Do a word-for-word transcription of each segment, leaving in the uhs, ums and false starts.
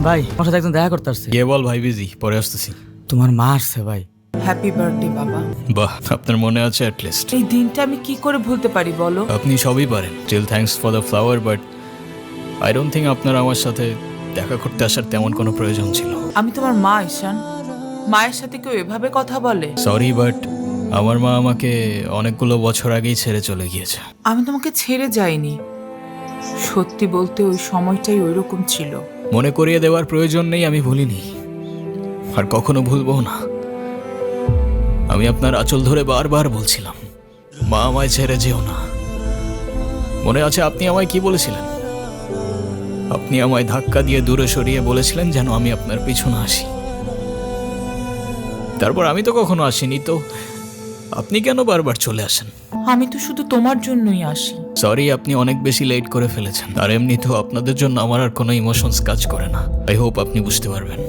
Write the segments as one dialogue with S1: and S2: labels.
S1: ভাই আমার সাথে একজন দেখা করতে আসছে।
S2: কে বল ভাই, বিজি, পরে আসতেছি।
S1: তোমার মা আসছে ভাই।
S3: হ্যাপি বার্থডে বাবা।
S2: বাহ, আপনার মনে আছে অ্যাট লিস্ট।
S3: এই দিনটা আমি কি করে ভুলতে পারি বলো?
S2: আপনি সবই পারেন। Still thanks for the flower, but I don't think আপনার আমার সাথে দেখা করতে আসার তেমন কোনো প্রয়োজন ছিল।
S3: আমি তোমার মা ঈশান, মায়ের সাথে কেউ এভাবে কথা বলে?
S2: সরি, বাট আমার মা আমাকে অনেকগুলো বছর আগেই ছেড়ে চলে গিয়েছে।
S3: আমি তোমাকে ছেড়ে যাইনি, সত্যি বলতে ওই সময়টাই ওইরকম ছিল।
S2: মনে করিয়ে দেওয়ার প্রয়োজন নেই, আমি ভুলিনি আর কখনো ভুলবো না। আমি আপনার আঁচল ধরে বারবার বলছিলাম, মা আমায় ছেড়ে যেও না। মনে আছে আপনি আমায় কি বলেছিলেন? আপনি আমায় ধাক্কা দিয়ে দূরে সরিয়ে বলেছিলেন যেন আমি আপনার পিছনে আসি। তারপর আমি তো কখনো আসিনি, তো আপনি কেন বারবার চলে আসেন?
S3: আমি তো শুধু তোমার জন্যই আসি।
S2: সরি, আপনি অনেক বেশি লেট করে ফেলেছেন। আর এমনিতেও আপনাদের জন্য আমার আর কোনো ইমোশনস কাজ করে না। আই হোপ আপনি বুঝতে পারবেন।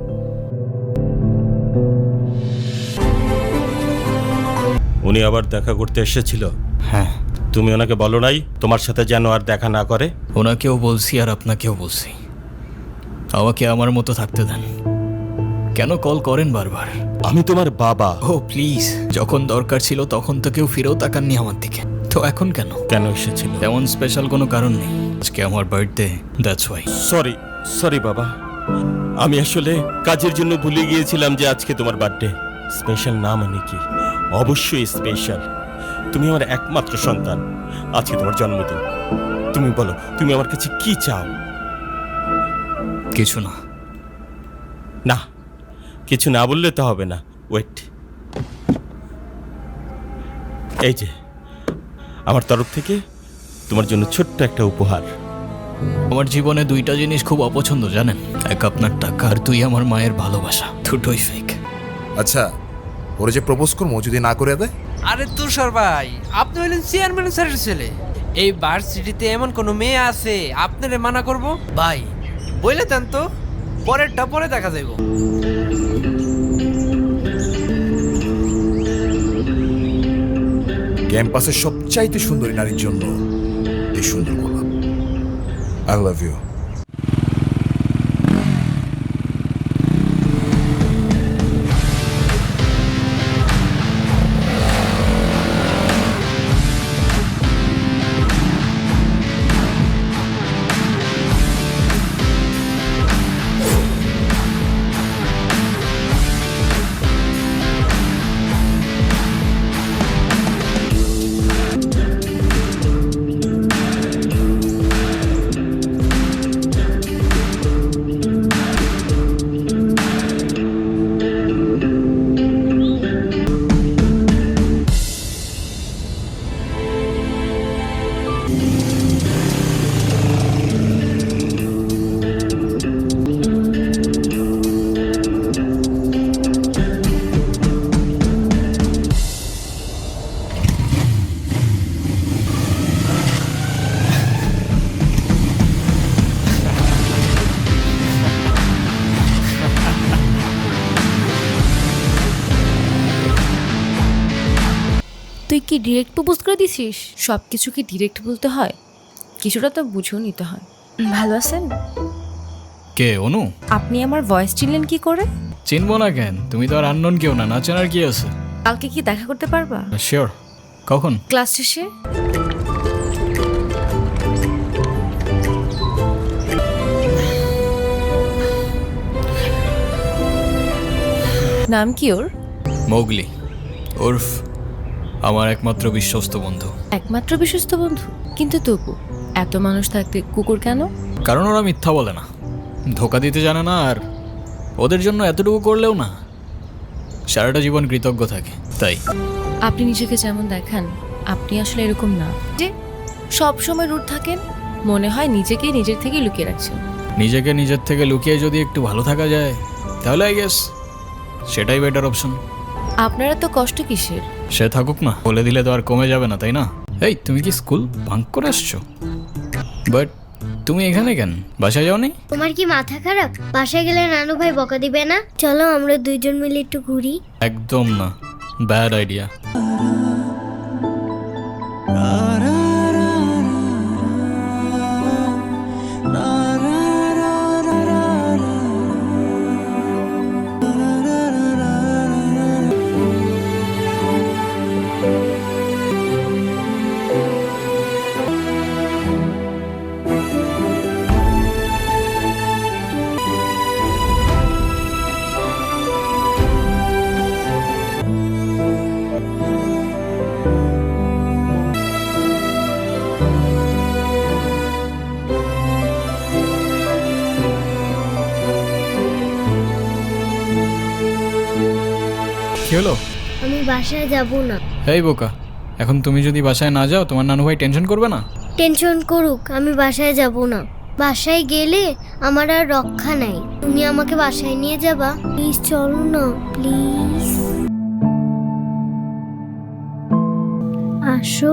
S4: উনি আবার দেখা করতে এসেছিল?
S2: হ্যাঁ,
S4: তুমি ওনাকে বলো নাই তোমার সাথে যেন আর দেখা না করে?
S2: ওনাকেও বলছি আর আপনাকেও বলছি, আমাকে আমার মতো থাকতে দেন। কেন কল করেন বারবার?
S4: আমি তোমার বাবা।
S2: ও প্লিজ, যখন দরকার ছিল তখন তো কেউ ফিরেও তাকাননি আমার দিকে, তো এখন কেন?
S4: কেন এসেছিল?
S2: তেমন স্পেশাল কোনো কারণ নেই। আজকে আমার birthday, that's why.
S4: Sorry sorry বাবা, আমি আসলে কাজের জন্য ভুলে গিয়েছিলাম যে আজকে তোমার বার্থডে। স্পেশাল না মানে কি? অবশ্যই স্পেশাল। তুমি আমার একমাত্র সন্তান, আজকে তোমার জন্মদিন। তুমি বলো, তুমি আমার কাছে কি চাও?
S2: কিছু না।
S4: না, কিছু না বললে তো হবে না। ওয়েট, এই যে আমার তরফ থেকে তোমার জন্য ছোট্ট একটা উপহার।
S2: আমার জীবনে দুইটা জিনিস খুব অপছন্দ জানেন, এক আপনার টাকা আর দুই আমার মায়ের ভালোবাসা। দুটোই ফেক।
S5: আচ্ছা, ওরা যে প্রপোজ করবো যদি না করে দেয়?
S6: আরে তুষার ভাই, আপনি হলেন চেয়ারম্যান স্যারের ছেলে। এই ভার্সিটিতে এমন কোনো মেয়ে আছে আপনারে মানা করব? ভাই বইলে দেন তো, পরেরটা পরে দেখা যাইব।
S5: ক্যাম্পাসের সবচাইতে সুন্দরী নারীর জন্য এই সুন্দর গোলাপ। I love you.
S7: তুই কি ডিরেক্ট প্রপোজ করে দিছিস? সব কিছু কি ডিরেক্ট বলতে হয়? কিছুটা তো বুঝেও নিতে হয়। ভালো আছেন?
S2: কে অনু?
S7: আপনি আমার ভয়েস চিনলেন কি করে?
S2: চিনবো না কেন? তুমি তো আর আননোন কেউ না, না চেনার কি আছে?
S7: কালকে কি দেখা করতে পারবা?
S2: শিওর। কখন?
S7: ক্লাস শেষে। নাম কি ওর?
S2: মোগলি, ওরফ আমার একমাত্র বিশ্বস্ত বন্ধু।
S7: একমাত্র বিশ্বস্ত বন্ধু? কিন্তু তবু এত মানুষ থাকতে কুকুর কেন?
S2: কারণ ওরা মিথ্যা বলে না, ধোকা দিতে জানে না, আর ওদের জন্য এতটুকু করলেও না সারাটা জীবন কৃতজ্ঞ থাকে। তাই
S7: আপনি নিজেকে যেমন দেখান, আপনি আসলে এরকম না যে সব সময় রুট থাকেন। মনে হয় নিজেকে নিজের থেকে লুকিয়ে রাখছেন।
S2: নিজেকে নিজের থেকে লুকিয়ে যদি একটু ভালো থাকা যায় তাহলে আই গেস সেটাই বেটার অপশন।
S7: আপনারা তো কষ্ট কিসের?
S2: সে থাকুক না, বলে দিলে তো আর কমে যাবে না, তাই না? এই তুমি কি স্কুল ভাঙ করে আসছো? বাট তুমি এখানে কেন? বাসায় যাওনি?
S8: তোমার কি মাথা খারাপ? বাসায় গেলে নানু ভাই বকা দিবে না? চলো আমরা দুইজন মিলে একটু ঘুরি।
S2: একদম না, ব্যাড আইডিয়া। কি হলো?
S8: আমি বাসায় যাব না।
S2: এই বোকা, এখন তুমি যদি বাসায় না যাও তোমার নানু ভাই টেনশন করবে না?
S8: টেনশন করুক, আমি বাসায় যাব না। বাসায় গেলে আমার আর রক্ষা নাই। তুমি আমাকে বাসায় নিয়ে যাবা? প্লিজ চলো না, প্লিজ আসো।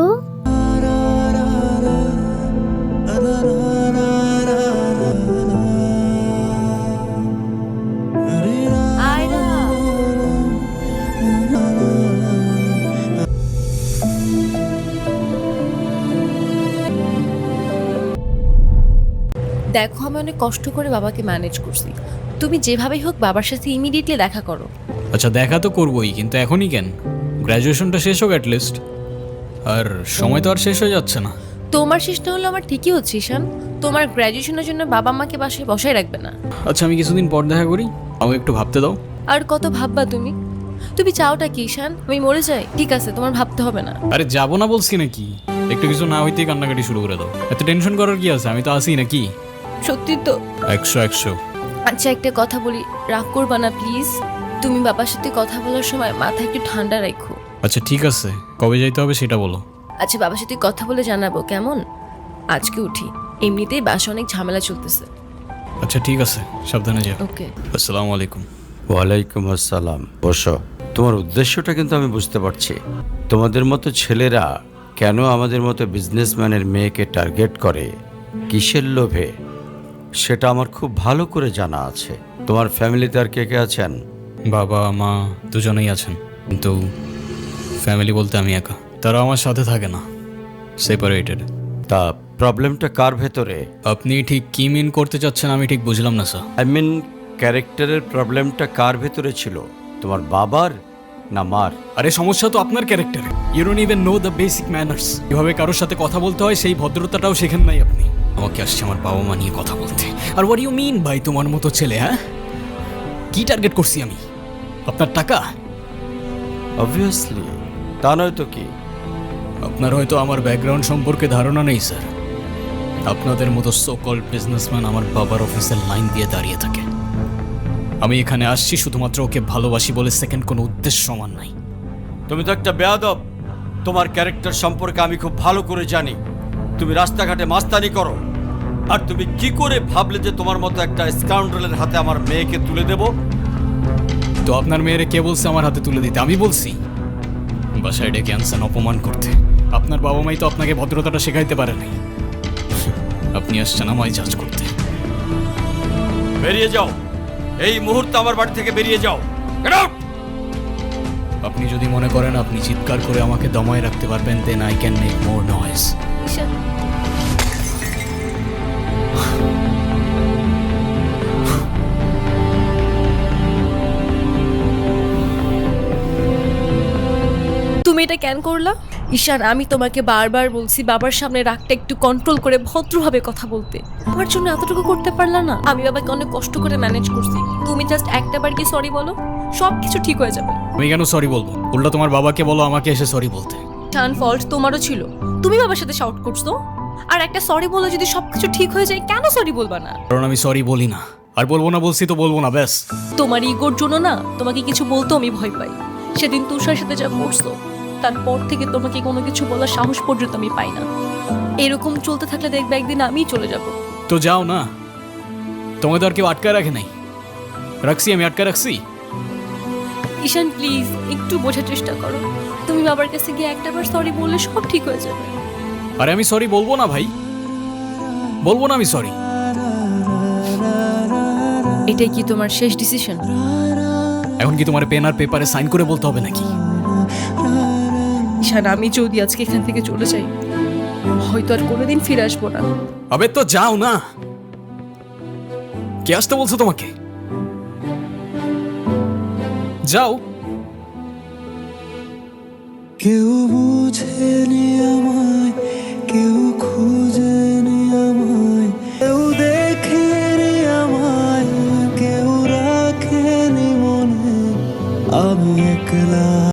S7: দেখো, আমি অনেক কষ্ট করে বাবাকে ম্যানেজ করছি। তুমি যেভাবেই হোক বাবার সাথে ইমিডিয়েটলি দেখা করো।
S2: আচ্ছা দেখা তো করবোই, কিন্তু এখনই কেন? গ্র্যাজুয়েশনটা শেষ হোক অ্যাটলিস্ট। আর সময় তো আর শেষ হয়ে যাচ্ছে না।
S7: তোমার শেষ না হলো আমার ঠিকই হচ্ছে ঈশান। তোমার গ্র্যাজুয়েশনের জন্য বাবা মাকে বাসায় বসায় রাখবে না।
S2: আচ্ছা আমি কিছুদিন পর দেখা করি, আমাকে একটু ভাবতে দাও।
S7: আর কত ভাববা তুমি? তুমি চাওটা কি ঈশান? আমি মরে যাই? ঠিক আছে, তোমার ভাবতে হবে না।
S2: আরে যাবো না বলছি নাকি? একটু কিছু না হইতেই কান্নাকাটি শুরু করে দাও। এত টেনশন করার কি আছে? আমি তো আসি নাকি?
S7: সত্যি তো?
S2: একশো একশো।
S7: আচ্ছা একটা কথা বলি, রাগ করবা না প্লিজ। তুমি বাবার সাথে কথা বলার সময় মাথা একটু ঠান্ডা রাখো।
S2: আচ্ছা ঠিক আছে, কবে যাইতে হবে সেটা বলো।
S7: আচ্ছা বাবার সাথে কথা বলে জানাবো, কেমন? আজকে উঠি, এমনিতেই বাসা অনেক ঝামেলা চলতেছে।
S2: আচ্ছা ঠিক আছে, সাবধানে যাও।
S7: ওকে।
S2: আসসালামু আলাইকুম।
S9: ওয়ালাইকুম আসসালাম। বসো। তোমার উদ্দেশ্যটা কিন্তু আমি বুঝতে পারছি। তোমাদের মতো ছেলেরা কেন আমাদের মতো বিজনেসম্যানের মেয়েকে টার্গেট করে, কিসের লোভে, সেটা আমার খুব ভালো করে জানা আছে। তোমার ফ্যামিলিতে আর কে কে আছেন?
S2: বাবা মা দুজনেই আছেন, কিন্তু ফ্যামিলি বলতে আমি একা। তারা আমার সাথে থাকে না, সেপারেটেড।
S9: তা প্রবলেমটা কার ভেতরে?
S2: আপনি ঠিক কি মিন করতে চাচ্ছেন আমি ঠিক বুঝলাম না স্যার।
S9: আই মিন ক্যারেক্টারের প্রবলেমটা কার ভেতরে ছিল, তোমার বাবার না মার?
S2: আরে সমস্যা তো আপনার ক্যারেক্টারে। You don't even know the basic manners. কিভাবে কারোর সাথে কথা বলতে হয় সেই ভদ্রতাটাও শেখেন নাই আপনি। আমাকে আসছে আমার বাবা মা নিয়ে কথা বলতে। আর হোয়াট ইউ মিন ভাই তোমার মতো ছেলে? হ্যাঁ, কি টার্গেট করছি আমি? আপনার টাকা?
S9: অবভিয়াসলি, তা নয় তো কি?
S2: আপনার হয়তো আমার ব্যাকগ্রাউন্ড সম্পর্কে ধারণা নেই স্যার। আপনাদের মতো সো কল্ড বিজনেসম্যান আমার বাবার অফিসের লাইন দিয়ে দাঁড়িয়ে থাকে। আমি এখানে আসছি শুধুমাত্র ওকে ভালোবাসি বলে, সেকেন্ড কোনো উদ্দেশ্য সমান নাই।
S9: তুমি তো একটা বেয়াদব। তোমার ক্যারেক্টার সম্পর্কে আমি খুব ভালো করে জানি। তুমি রাস্তাঘাটে মাস্তানি করো, আর তুমি কি করে ভাবলে যে তোমার মতো একটা স্কাউন্ডারের হাতে আমার মেয়েকে তুলে দেব?
S2: তো আপনার মেয়েরে কে বলছে আমার হাতে তুলে দিতে? আমি বলছি? বাসায় ডেকে আনছেন অপমান করতে। আপনার বাবা মাই তো আপনাকে ভদ্রতাটা শেখাইতে পারে নাই। আপনি আসছেন আমায় জাজ করতে।
S9: বেরিয়ে যাও, এই মুহূর্তে আমার বাড়ি থেকে বেরিয়ে যাও। Get out!
S2: আপনি যদি মনে করেন আপনি চিৎকার করে আমাকে দমায় রাখতে পারবেন, then I can make more noise.
S7: Ishaan, তুমি এটা কেন করলা? ঈশান, আমি তোমাকে বারবার বলছি বাবার সামনে রাগটা একটু কন্ট্রোল করে ভদ্রভাবে কথা বলতে। আমার জন্য এতটুকু করতে পারলা না? আমি বাবাকে অনেক কষ্ট করে ম্যানেজ করছি। তুমি জাস্ট একটা বার কি সরি বলো, সব কিছু ঠিক হয়ে যাবে।
S2: আমি কেন সরি বলবো? উল্টা তোমার বাবাকে বলো আমাকে এসে সরি বলতে।
S7: টান ফল্ট তোমারও ছিল, তুমি বাবার সাথে শাউট করছো। আর একটা সরি বলে যদি সবকিছু ঠিক হয়ে যায়, কেন সরি বলবা না?
S2: কারণ আমি সরি বলি না, আর বলবো না। বলছি তো বলবো না, ব্যাস।
S7: তোমার ইগোর জন্য না তোমাকে কিছু বলতেও আমি ভয় পাই। সেদিন তুষার সাথে যা করছো, তারপর থেকে তোমাকে কোনো কিছু বলার সাহস পর্যন্ত আমি পাই না। এরকম চলতে থাকলে দেখবে একদিন আমিই চলে যাব।
S2: তো যাও না, তোমাকে তো আর কেউ আটকায় রাখে নাই। রাখছি আমি, আটকায় রাখছি?
S7: ঈশান প্লিজ একটু বোঝার চেষ্টা করো। তুমি বাবার কাছে গিয়ে একটা বার সরি বললে সব ঠিক হয়ে যাবে।
S2: আরে আমি সরি বলবো না ভাই, বলবো না আমি সরি।
S7: এটাই কি তোমার শেষ ডিসিশন?
S2: এখন কি তোমার পেন আর পেপারে সাইন করে বলতে হবে নাকি?
S7: ঈশান, আমি যদি আজকে এখান থেকে চলে যাই, হয়তো আর কোনোদিন ফিরে আসবো না।
S2: আবে তো যাও না। কে আসতে বলছো তোমাকে? যাও।
S10: কেউ বুঝেনি আমায়, কেউ খুঁজেনি আমায়, কেউ দেখেনি আমায়, কেউ রাখেনি মনে, আমি একলা।